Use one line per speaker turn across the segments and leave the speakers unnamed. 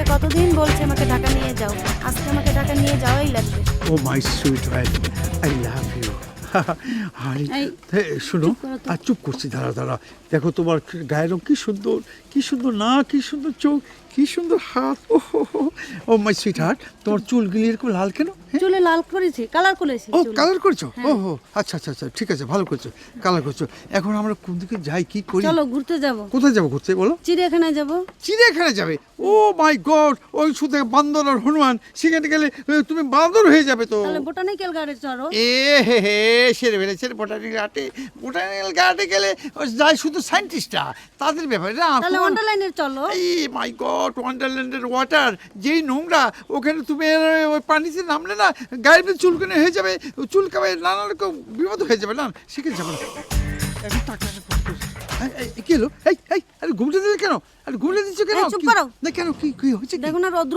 তোমাকে কতদিন বলছি আমাকে ঢাকা নিয়ে যাও, আজকে আমাকে ঢাকা নিয়ে যাওয়াই লাগবে।
Oh my sweet wife, I love you. আরে শোনো, আর চুপ করছি, দাঁড়া। দেখো তোমার গায়ের রং কি সুন্দর, কি সুন্দর না, কি সুন্দর চোখ, কি সুন্দর হাত। ও মাই সুইট হার্ট, তোমার চুলগুলি এরকম লাল কেন?
চুলে লাল করেছি, কালার করেছি।
ও কালার করছো? ও আচ্ছা, ঠিক আছে, ভালো করছো, কালার করছো। এখন আমরা কোন দিকে যাই, কি করি?
চলো ঘুরতে যাব।
কোথায় যাবো ঘুরতে বলো?
চিড়িয়াখানায় যাব।
চিড়িয়াখানায় যাবে? ও মাই গড, ওই শুধু বান্দর আর হনুমান, সেখানে গেলে তুমি বান্দর হয়ে যাবে তো।
তাহলে বোটানিক্যাল গার্ডেন চলো।
হে সেরে ফেলেছে। বোটানিক্যাল গার্ডে গেলে যায় শুধু সায়েন্টিস্টরা, তাদের ব্যাপারে না।
তাহলে ওয়ান্ডারল্যান্ডে চলো।
এই মাই গড, ওয়ান্ডারল্যান্ডের ওয়াটার যেই নোংরা, ওখানে তুমি ওই পানিতে নামলে না গায়ের ভিতরে চুলকানি হয়ে যাবে, চুলকাবে, নানা রকম বিপদ হয়ে যাবে। না সেখানে যাবে না। কি হলো? আরে ঘুমতে দিলে কেন? আরে ঘুমতে দিচ্ছ কেন?
চুপ করো
না কেন, কি হয়েছে?
দেখো না রৌদ্র।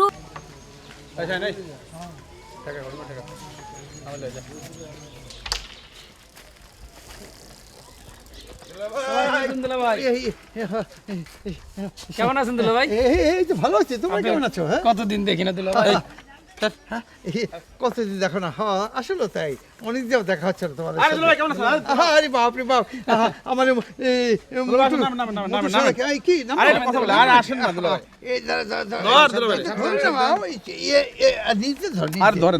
কেমন আছেন দুলা ভাই?
এই তো ভালো আছি, তোমরা কেমন আছো? হ্যাঁ,
কতদিন দেখি না দুলা ভাই।
কতদিন দেখো না। হ্যাঁ আসলে তাই, অনেকদিন দেখা হচ্ছে না তোমার।
আরে দুলা ভাই কেমন আছেন?
আরে বাপ রে বাপ, আমার কি নাম?
আরে কথা বলে আর আসেন না দুলা ভাই।
এই
ধর দুলা ভাই। আর ধরেন।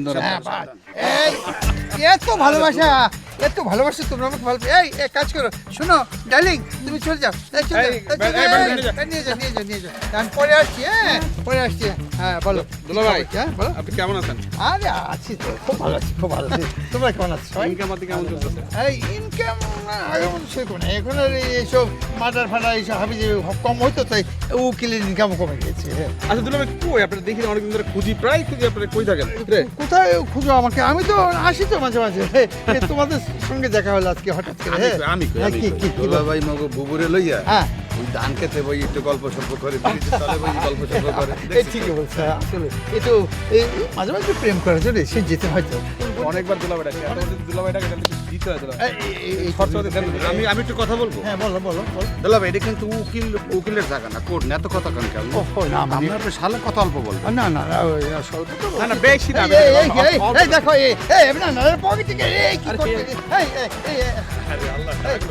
এত ভালোবাসা তোমরা আমাকে ভালো। এই এক কাজ করো, শোনো ডার্লিং, তুমি চলে যাও। নিয়ে যাও। আমি পরে আসছি। পরে আসছি। হ্যাঁ বলো
দুলা ভাই,
হ্যাঁ বলো।
আপনি কেমন আছেন?
আরে আছি তো, খুব ভালো আছি। তোমরা কেমন আছো?
ইনকাম পাতি কেমন চলতেছে?
এই ইনকাম এখন সেরকম না, এখন আর এইসব মার্ডার ফাটার এইসব হাবি যে কম হইতো, তাই উকিলের ইনকামও কমে গেছে।
আচ্ছা দুলা ভাই, কই আপনারা দেখি অনেকদিন ধরে খুঁজি, প্রায় খুঁজি, আপনারা কই থাকেন রে?
কোথায় খুঁজো আমাকে? আমি তো আসি তো মাঝে তোমাদের সঙ্গে দেখা হলো আজকে হঠাৎ করে।
আমি কই
কি
দুলা ভাই মগো বুবুরে লইয়া
হ্যাঁ
ওই ধান খেতে বই একটু গল্প সল্প করে ব্রিজের তলে বই গল্প সল্প করে
এই ঠিকই বলছে। আসলে এই তো এই মাঝে প্রেম করার জন্য সে যেতে হয়তো
অনেকবার দুলা ভাই ডাকে, দুলা ভাই ডাকে দিতে হয় দুলা ভাই।
এই
খরচা দেন।
আমি একটু কথা বলবো।
হ্যাঁ বলো
দুলা ভাই এটা কিন্তু উকিলের জায়গা না, কোর্ট না, এত কথা কেন কেমন?
ও না
আমরা আপনার সালে কথা অল্প বলবো।
না ওই স্বল্প তো
না বেশি না।
এই দেখো না পকেট থেকে এই কি করতে এই
আরে আল্লাহ,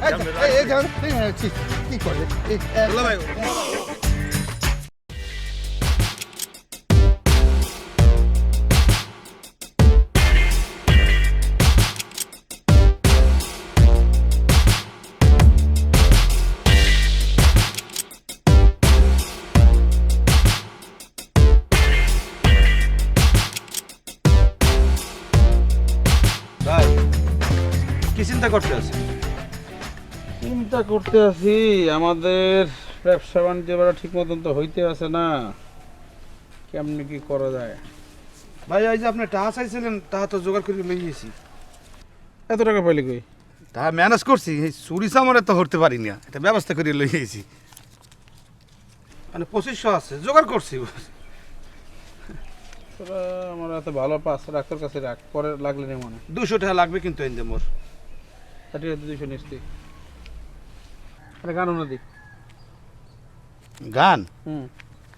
কি করলে
দুলা ভাই ভাই কি চিন্তা করতে আছে?
চিন্তা করতে আছি, আমাদের ব্যবসা বাণিজ্য ঠিক মতন তো হইতে আছে না, কেমনি কি করা যায়।
ভাই এই যে আপনি টাকা চাইছিলেন, টাকা তো জোগাড় করে লই গেছি।
এত টাকা পাইলে কই?
টাকা ম্যানেজ করছি, এই চুরি চামড়ে তো হতে পারি না, এটা ব্যবস্থা করে লই গেছি। মানে 2500 আছে, জোগাড় করছি।
তোরা আমার এত ভালো পাস, ডাক্তার কাছে রাখ, পরে লাগলে নেই মনে।
200 টাকা লাগবে কিন্তু এনে মোর।
ঠিক আছে 200 নিচ্ছি। আরে গান না দিক।
গান
হুম।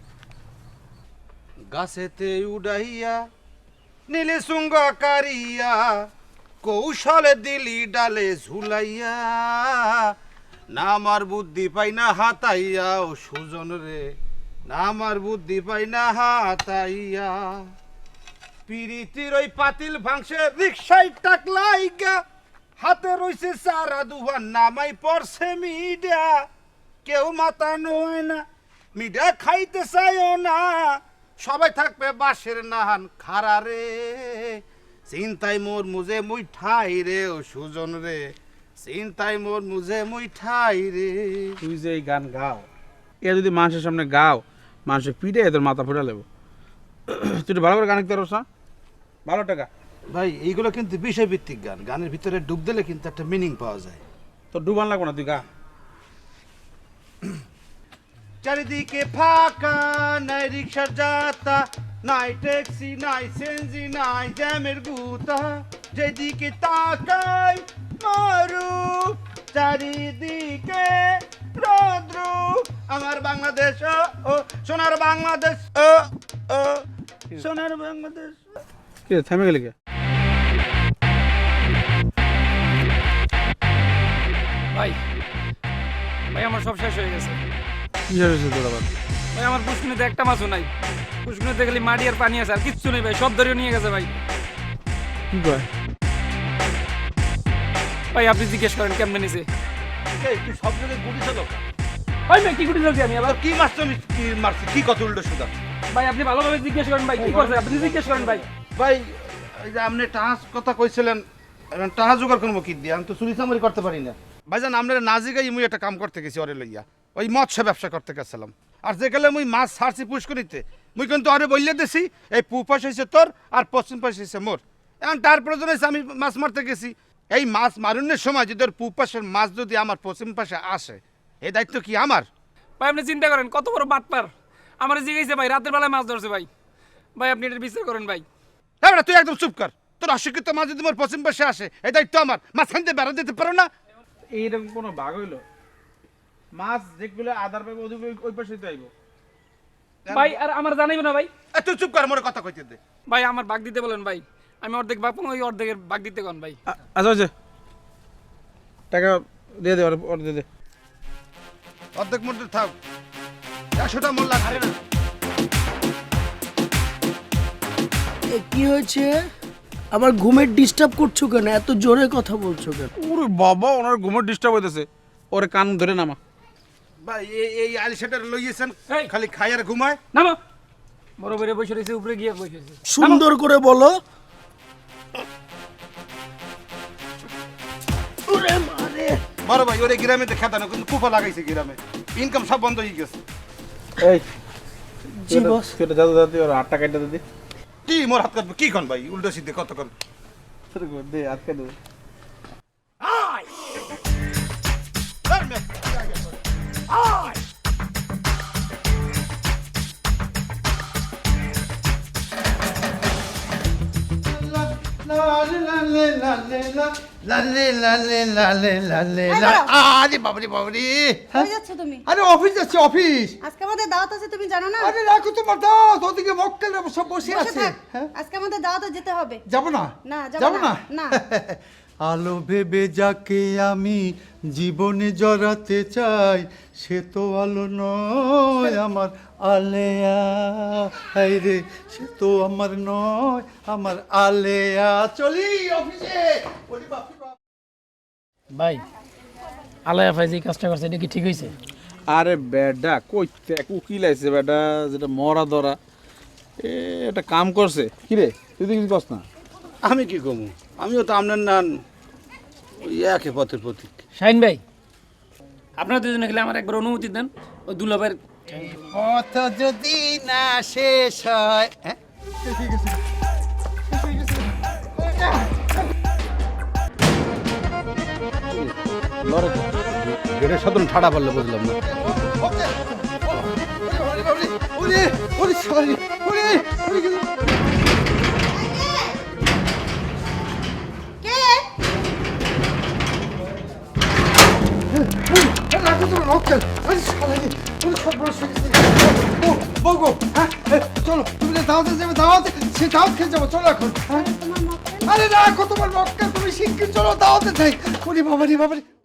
গাছেতে উড়াইয়া নীলে সুঙ্গ কারিয়া কৌশলে দিলি ডালে ঝুলাইয়া না আমার বুদ্ধি পাই না হাতাইয়া ও সুজন রে না আমার বুদ্ধি পাই না হাতাইয়া পিরিতির ওই পাতিল ভাঙছে রিক্সায় টাকলাইগা হাতে রইছে সারা দুহান নামাই পড়ছে মিডা কেউ মাথা নয় না মিডা খাইতে চাইও না সবাই থাকবে বাঁশের নাহান খারা রে চিন্তাই মোর মুজে মুই ঠাই রে ও সুজন রে চিন্তাই মোর মুজে মুই ঠাই রে।
তুই যে এই গান গাও, এ যদি মানুষের সামনে গাও, মানুষের পিঠে তোর মাথা ফুটা লেবো। তুই একটু ভালো করে গান লিখতে পারছ না? ভালো টাকা
ভাই এইগুলো কিন্তু বিষয়ভিত্তিক গান, গানের ভিতরে ডুব দিলে কিন্তু একটা মিনিং পাওয়া যায়।
তোর ডুবান লাগবো না, তুই গা।
চারিদিকে ফাঁকা, নাই রিক্সা যাতা, নাই ট্যাক্সি, নাই সেনজি, নাই জ্যামের গুতা, যেদিকে তাকাই মারু চারিদিকে রৌদ্র আমার বাংলাদেশ ও সোনার বাংলাদেশ ও সোনার বাংলাদেশ।
কে থেমে গেলি কে?
ভাই ভাই আমার সব শেষ হয়ে গেছে
কি হয়েছে তোর আবার?
ভাই আমার পুষ্কুনিতে একটা মাছও নাই, পুষ্কুনিতে খালি মাটি আর পানি আছে আর কিচ্ছু নেই ভাই, সব ধরে নিয়ে গেছে ভাই।
কি কয়?
ভাই আপনি জিজ্ঞেস করেন কেমনে নিছে।
এই তুই সব জায়গায় গুলি চালো
ভাই ভাই কি করে চলছি আমি আবার?
কি মারছো কি মারছি কি কত উল্টো সুদা?
ভাই আপনি ভালোভাবে জিজ্ঞেস করেন ভাই কি করছে, আপনি জিজ্ঞেস করেন ভাই।
ভাই এই যে আপনি টাহাজ কথা কইছিলেন, এখন টাহা জোগাড় করবো কি দিয়ে? আমি তো চুরি চামারি করতে পারি না। ভাইজান আপনারা না জিগাই মুই একটা কাম করতে গেছি ওরে লইয়া, ওই মৎস্য ব্যবসা করতে গেছিলাম। আর যে গেলে মুই মাছ ছাড়ছি পুষ্করিতে, মুই কিন্তু আরে বললে দিছি এই পূব পাশ হয়েছে তোর আর পশ্চিম পাশ হয়েছে মোর। এখন তার প্রয়োজন হয়েছে আমি মাছ মারতে গেছি, এই মাছ মারুনের সময় যদি ওর পূব পাশের মাছ যদি আমার পশ্চিম পাশে আসে, এই দায়িত্ব কি আমার?
ভাই আপনি চিন্তা করেন কত বড় বাটপার, আমার জিজ্ঞেসে ভাই রাতের বেলায় মাছ ধরছে ভাই। ভাই আপনি এটা বিচার করেন ভাই।
হ্যাঁ তুই একদম চুপ কর, তোর অশিক্ষিত মাছ যদি মোর পশ্চিম পাশে আসে এই দায়িত্ব আমার। মাছ খাইতে বেড়া দিতে পারো না?
এইরকম কোনো ভাগ হইলো? মাছ যেগুলো আধার পাইব ওইগুলো ওই পাশে তো আইব।
ভাই আর আমার জানাইব না ভাই?
তুই চুপ কর, মোর কথা কইতে দে।
ভাই আমার ভাগ দিতে বলেন ভাই, আমি অর্ধেক ভাগ পাবো, ওই অর্ধেকের ভাগ দিতে কোন ভাই।
আচ্ছা আচ্ছা টাকা দিয়ে দে, ওর দিয়ে দে।
অর্ধেক মধ্যে থাক, 100টা মোর লাগবে না।
কি হয়েছে? আমার ঘুমের ডিস্টার্ব করছো কেন? এত জোরে কথা বলছো কেন?
ওরে বাবা, ওনার ঘুমের ডিস্টার্ব হইতেছে, ওরে কান ধরে নামা।
ভাই এই আলিশাটার লইয়েছেন
এই।
খালি খাই আর ঘুমায়।
নামো, বড় বড় বসে রয়েছে, উপরে গিয়ে বসে রয়েছে।
সুন্দর করে বলো। ওরে মারে।
বড় ভাই ওরে গ্রামে দেখা না, কিন্তু কুফা লাগাইছে গ্রামে, ইনকাম সব বন্ধ হয়ে গেছে।
এই
জি বস।
তুই দাদা দাদি ওর 8 টাকা কেটে দে।
কি মোর হাত কাটবে কি কন ভাই? উল্টো সিদ্ধে কতক্ষণ
দে হাত কেটে দে।
আরে বাবারে বাবারে,
কই যাচ্ছ তুমি?
আরে অফিস যাচ্ছি অফিস।
আজকে আমাদের দাওয়াত আছে, তুমি জানো না?
আরে রাখো তোমার দাওয়াত, ওদিকে মক্কেলরা সব বসে
বসে
আছে।
থাক।
হ্যাঁ
আজকে আমাদের দাওয়াতে যেতে হবে।
যাবো না?
না, যাবো
যাবো
না।
না।
না।
আলো ভেবে যাকে আমি জীবনে জড়াতে চাই, সে তো আলো নয় আমার আলেয়া। হাই রে, সে তো আমার নয় আমার আলেয়া। চলি অফিসে। ওরে বাপ রে বাপ।
ভাই আলায়া ভাই যে কাজটা করছে এটা কি ঠিক হয়েছে?
আরে বেডা কইতে উকিল আইছে বেডা, যেটা মরা ধরা এটা কাম করছে। কি রে তুই তো কিছু কস না?
আমি কি কমু? আমিও তো আপনার নান ওই একে পথের প্রতীক।
শাহিন ভাই আপনারা দুজনে খেলে আমার একবার অনুমতি দেন, ওই দুলাভাইয়ের
পথ যদি না শেষ হয়। হ্যাঁ ঠিক আছে, ঠিক আছে।
গেটের সাধারণ ঠাড়া পারলে বুঝলাম না।
ওরে ওরে সরি, ওরে ওরে
কে?
রাখো তোমার মক্কেল। আরে শালানি, ওরে সব বড় শিখেছি। ও বগো, হ্যাঁ চলো তুমি দাওয়াতে যাবে, দাওয়াতে সে দাওয়াত খেয়ে যাবো। চলো এখন। হ্যাঁ? আরে রাখো তোমার মক্কেল, তুমি শিগগির চলো দাওয়াতে যাই। ওরে বাবারে বাবারে।